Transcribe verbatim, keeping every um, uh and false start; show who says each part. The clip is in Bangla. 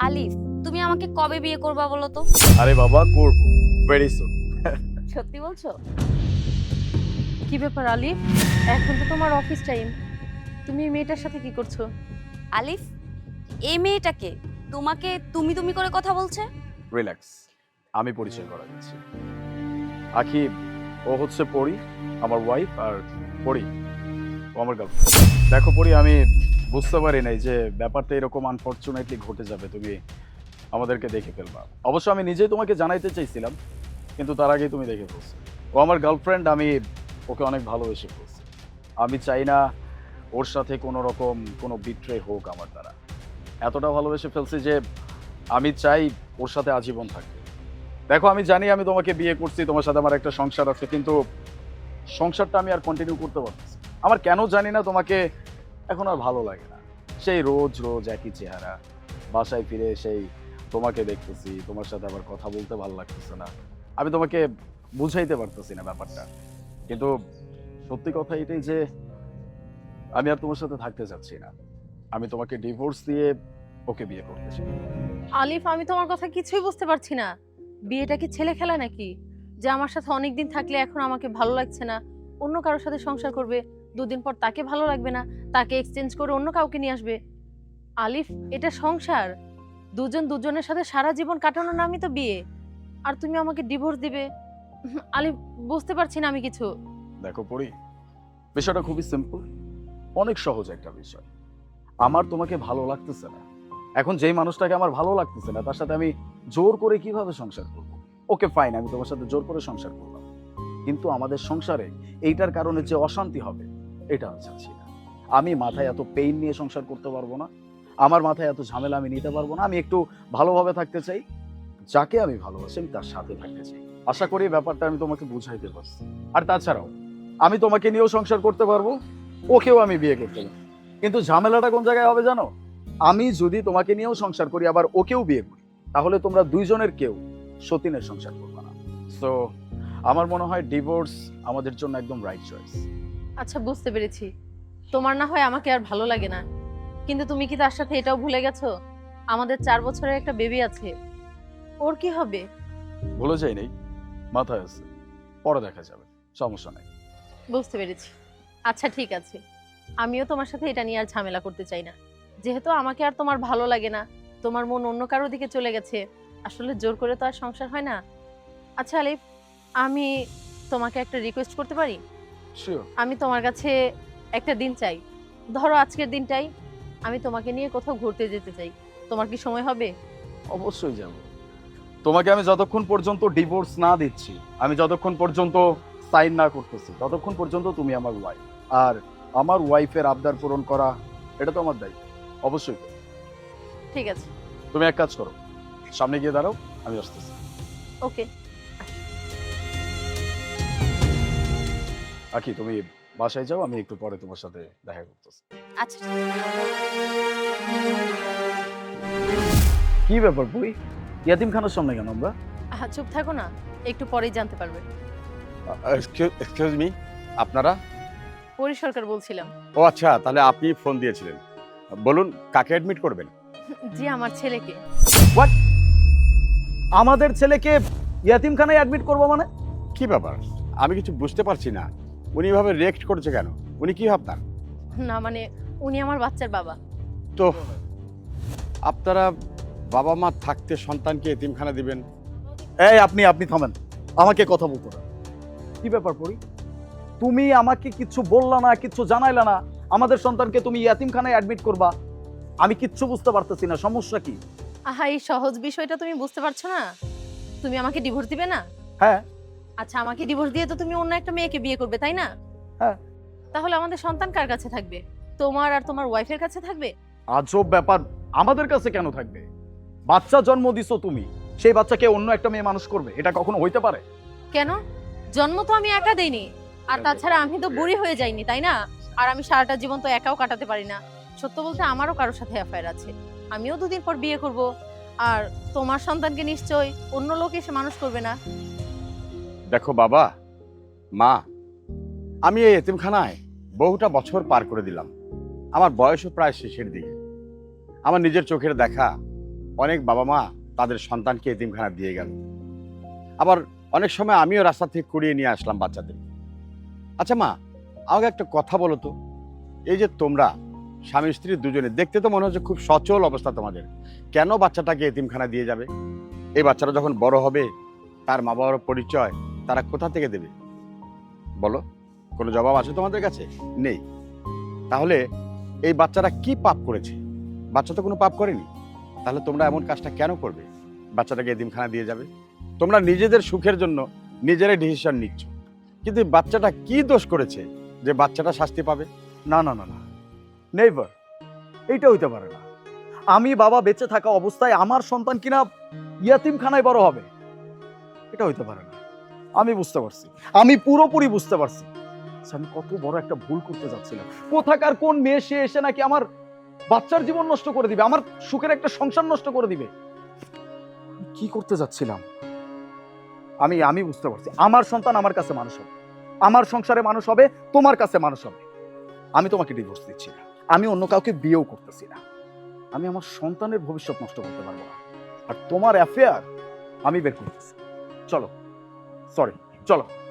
Speaker 1: আলিফ, তুমি আমাকে কবে বিয়ে করবা বলো তো?
Speaker 2: আরে বাবা করব ভেরি সুন।
Speaker 1: সত্যি বলছো?
Speaker 3: কি ব্যাপার আলিফ, এখন তো তোমার অফিস টাইম, তুমি এই মেয়েটার সাথে কি করছো?
Speaker 1: আলিফ, এই মেয়েটাকে তোমাকে তুমি তুমি করে কথা বলছে?
Speaker 2: রিল্যাক্স, আমি পরিচয় করা দিচ্ছি। আখি, ও হচ্ছে পরি, আমার ওয়াইফ, আর পরি ও আমার গার্লফ্রেন্ড। দেখো পরি, আমি বুঝতে পারি নাই যে ব্যাপারটা এরকম আনফরচুনেটলি ঘটে যাবে, তুমি আমাদেরকে দেখে ফেলবা। অবশ্য আমি নিজেই তোমাকে জানাইতে চাইছিলাম, কিন্তু তার আগেই তুমি দেখে ফেলছো। ও আমার গার্লফ্রেন্ড, আমি ওকে অনেক ভালোবেসে ফেলছি। আমি চাই না ওর সাথে কোনো রকম কোনো বিট্রে হোক আমার দ্বারা। এতটা ভালোবেসে ফেলছি যে আমি চাই ওর সাথে আজীবন থাকতে। দেখো, আমি জানি আমি তোমাকে বিয়ে করছি, তোমার সাথে আমার একটা সংসার আছে, কিন্তু সংসারটা আমি আর কন্টিনিউ করতে পারতেছি। আমার কেন জানি না তোমাকে এখন আর ভালো লাগে না। সেই রোজ রোজ একই চেহারা, বাসায় ফিরে সেই তোমাকে দেখতেছি, তোমার সাথে আবার কথা বলতে ভালো লাগতেছে না। আমি তোমাকে বুঝাইতে পারতেছি না ব্যাপারটা, কিন্তু সত্যি কথা এটাই যে আমি আর তোমার সাথে থাকতে চাচ্ছি না। আমি তোমাকে ডিভোর্স দিয়ে ওকে বিয়ে করতে চাই।
Speaker 3: আলিফ, আমি তোমার কথা কিছুই বুঝতে পারছি না। বিয়েটা কি ছেলে খেলা নাকি, যে আমার সাথে অনেকদিন থাকলে এখন আমাকে ভালো লাগছে না, অন্য কারোর সাথে সংসার করবে, দুদিন পর তাকে ভালো লাগবে না, তাকে এক্সচেঞ্জ করে অন্য কাউকে নিয়ে আসবে? আলিফ, এটা সংসার, দুজন দুজনের সাথে সারা জীবন কাটানোর নামই তো বিয়ে, আর তুমি আমাকে ডিভোর্স দিবে? উম, আলিফ, বুঝতে পারছি না আমি কিছু।
Speaker 2: দেখো পড়ি, বিষয়টা খুবই সিম্পল, অনেক সহজ একটা বিষয়। আমার তোমাকে ভালো লাগতেছে না, এখন যেই মানুষটাকে আমার ভালো লাগতেছে না তার সাথে আমি জোর করে কিভাবে সংসার করব? ওকে ফাইন, আমি তোমার সাথে জোর করে সংসার করলাম, কিন্তু আমাদের সংসারে এইটার কারণে যে অশান্তি হবে এটা আমি চাচ্ছি না। আমি মাথায় এত পেইন নিয়ে সংসার করতে পারবো না, আমার মাথায় এত ঝামেলা আমি নিতে পারবো না। আমি একটু ভালোভাবে থাকতে চাই, যাকে আমি ভালোবাসি আমি তার সাথে থাকতে চাই। আশা করি ব্যাপারটা আমি তোমাকে বুঝাইতে পারছি। আর তাছাড়াও আমি তোমাকে নিয়েও সংসার করতে পারবো, ওকেও আমি বিয়ে করতে পারবো, কিন্তু ঝামেলাটা কোন জায়গায় হবে জানো? আমি যদি তোমাকে নিয়েও সংসার করি আবার ওকেও বিয়ে করি, তাহলে তোমরা দুইজনের কেউ সতীনের সংসার করবে না। সো আমার মনে হয় ডিভোর্স আমাদের জন্য একদম রাইট চয়েস।
Speaker 3: আচ্ছা, বুঝতে পেরেছি, তোমার না হয় আমাকে আর ভালো লাগে না, কিন্তু তুমি কি তার সাথে এটাও ভুলে গেছো আমাদের চার বছরের একটা বেবি আছে? ওর কি হবে?
Speaker 2: ভুলে যাই নেই, মাথায় আছে, পরে দেখা যাবে, সমস্যা নেই।
Speaker 3: বুঝতে পেরেছি। আচ্ছা ঠিক আছে, আমিও তোমার সাথে এটা নিয়ে আর ঝামেলা করতে চাই না, যেহেতু আমাকে আর তোমার ভালো লাগে না, তোমার মন অন্য কারোর দিকে চলে গেছে, আসলে জোর করে তো আর সংসার হয় না। আচ্ছা আলিফ, আমি তোমাকে একটা রিকোয়েস্ট করতে পারি?
Speaker 2: শিওর।
Speaker 3: আমি তোমার কাছে একটা দিন চাই, ধরো আজকের দিনটাই আমি তোমাকে নিয়ে কোথাও ঘুরতে যেতে চাই, তোমার কি সময় হবে?
Speaker 2: অবশ্যই যাব। তোমাকে আমি যতক্ষণ পর্যন্ত ডিভোর্স না দিচ্ছি, আমি যতক্ষণ পর্যন্ত সাইন না করতেছি, ততক্ষণ পর্যন্ত তুমি আমার ওয়াইফ, আর আমার ওয়াইফের আবদার পূরণ করা এটা তো আমার দায়িত্ব। অবশ্যই।
Speaker 3: ঠিক আছে।
Speaker 2: তুমি এক কাজ করো, সামনে গিয়ে দাঁড়াও, আমি আসতেছি।
Speaker 3: ওকে।
Speaker 2: আখি, তুমি বাসায় যাও, আমি একটু পরে তোমার সাথে দেখা করতেছি।
Speaker 1: আচ্ছা।
Speaker 2: কি ব্যাপার বই, ইয়াতিমখানার সামনে কেন আমরা?
Speaker 3: আহা, চুপ থাকো না, একটু পরেই জানতে পারবে।
Speaker 4: এক্সকিউজ মি, আপনারা?
Speaker 3: পরি সরকার বলছিলাম।
Speaker 4: ও আচ্ছা, তাহলে আপনি ফোন দিয়েছিলেন, বলুন কাকে অ্যাডমিট করবেন?
Speaker 3: জি, আমার ছেলেকে।
Speaker 2: হোয়াট? আমাদের ছেলেকে ইয়াতিমখানায় অ্যাডমিট করবো মানে?
Speaker 4: কি ব্যাপার, আমি কিছু বুঝতে পারছি না, উনি এভাবে রিয়েক্ট করছে কেন? উনি কি ভাবতাম?
Speaker 3: না মানে, উনি আমার বাচ্চার বাবা।
Speaker 4: তো আপনারা বাবা মা থাকতে সন্তানকে এতিমখানা দিবেন?
Speaker 2: এই আপনি আপনি থামেন, আমাকে কথা বলতে না। কি ব্যাপার পরি, তুমি আমাকে কিচ্ছু বললা না, কিচ্ছু জানাইলা না, আমাদের সন্তানকে তুমি ইয়াতিমখানায় অ্যাডমিট করবা? আমি কিচ্ছু বুঝতে পারতেছি না, সমস্যা কি?
Speaker 3: আহা, এই সহজ বিষয়টা তুমি বুঝতে পারছো না? তুমি আমাকে ডিভোর্স দিবে না?
Speaker 2: হ্যাঁ।
Speaker 3: আচ্ছা, আমাকে ডিভোর্স দিয়ে তো তুমি অন্য একটা মেয়েকে বিয়ে করবে, তাই না?
Speaker 2: হ্যাঁ।
Speaker 3: তাহলে আমাদের সন্তান কার কাছে থাকবে? তোমার আর তোমার ওয়াইফের কাছে থাকবে?
Speaker 2: আজব ব্যাপার, আমাদের কাছে কেন থাকবে? বাচ্চা জন্ম দিছো তুমি, সেই বাচ্চাকে অন্য একটা মেয়ে মানুষ করবে, এটা কখনো হইতে পারে?
Speaker 3: কেন? জন্ম তো আমি একা দেইনি, আর তাছাড়া আমি তো বুড়ি হয়ে যাইনি, তাই না? আর আমি সারাটা জীবন তো একাও কাটাতে পারি না। সত্য বলতে আমারও কারোর সাথে অ্যাফেয়ার আছে, আমিও দুদিন পর বিয়ে করব, আর তোমার সন্তানকে নিশ্চয়ই অন্য লোক এসে মানুষ করবে না।
Speaker 4: দেখো বাবা মা, আমি এই এতিমখানায় বহুটা বছর পার করে দিলাম, আমার বয়সও প্রায় শেষের দিকে। আমার নিজের চোখের দেখা অনেক বাবা মা তাদের সন্তানকে এতিমখানা দিয়ে গেল, আবার অনেক সময় আমিও রাস্তা থেকে কুড়িয়ে নিয়ে আসলাম বাচ্চাদের। আচ্ছা মা, আমাকে একটা কথা বলো তো, এই যে তোমরা স্বামী স্ত্রী দুজনে, দেখতে তো মনে হচ্ছে খুব সচল অবস্থা তোমাদের, কেন বাচ্চাটাকে এতিমখানা দিয়ে যাবে? এই বাচ্চাটা যখন বড় হবে তার মা বাবার পরিচয় তারা কোথা থেকে দেবে বলো? কোনো জবাব আছে তোমাদের কাছে? নেই। তাহলে এই বাচ্চারা কি পাপ করেছে? বাচ্চা তো কোনো পাপ করেনি, তাহলে তোমরা এমন কাজটা কেন করবে? বাচ্চাটাকে এতিমখানা দিয়ে যাবে? তোমরা নিজেদের সুখের জন্য নিজেরাই ডিসিশন নিচ্ছ, কিন্তু এই বাচ্চাটা কি দোষ করেছে যে বাচ্চাটা শাস্তি পাবে?
Speaker 2: না না না না, নেভার, এইটা হইতে পারে না। আমি বাবা বেঁচে থাকা অবস্থায় আমার সন্তান কিনা ইয়াতিমখানায় বড় হবে, এটা হইতে পারে না। আমি বুঝতে পারছি, আমি পুরোপুরি বুঝতে পারছি আচ্ছা, আমি কত বড় একটা ভুল করতে যাচ্ছিলাম। কোথাকার কোন মেয়ে সে এসে নাকি আমার বাচ্চার জীবন নষ্ট করে দিবে, আমার সুখের একটা সংসার নষ্ট করে দিবে। আমি কি করতে যাচ্ছিলাম? আমি আমি বুঝতে পারছি, আমার সন্তান আমার কাছে মানুষ হবে, আমার সংসারে মানুষ হবে, তোমার কাছে মানুষ হবে। আমি তোমাকে ডিভোর্স দিচ্ছি না, আমি অন্য কাউকে বিয়েও করতেছি না। আমি আমার সন্তানের ভবিষ্যৎ নষ্ট করতে পারবো না, আর তোমার অ্যাফেয়ার আমি বের করতেছি। চলো, সরি, চলো।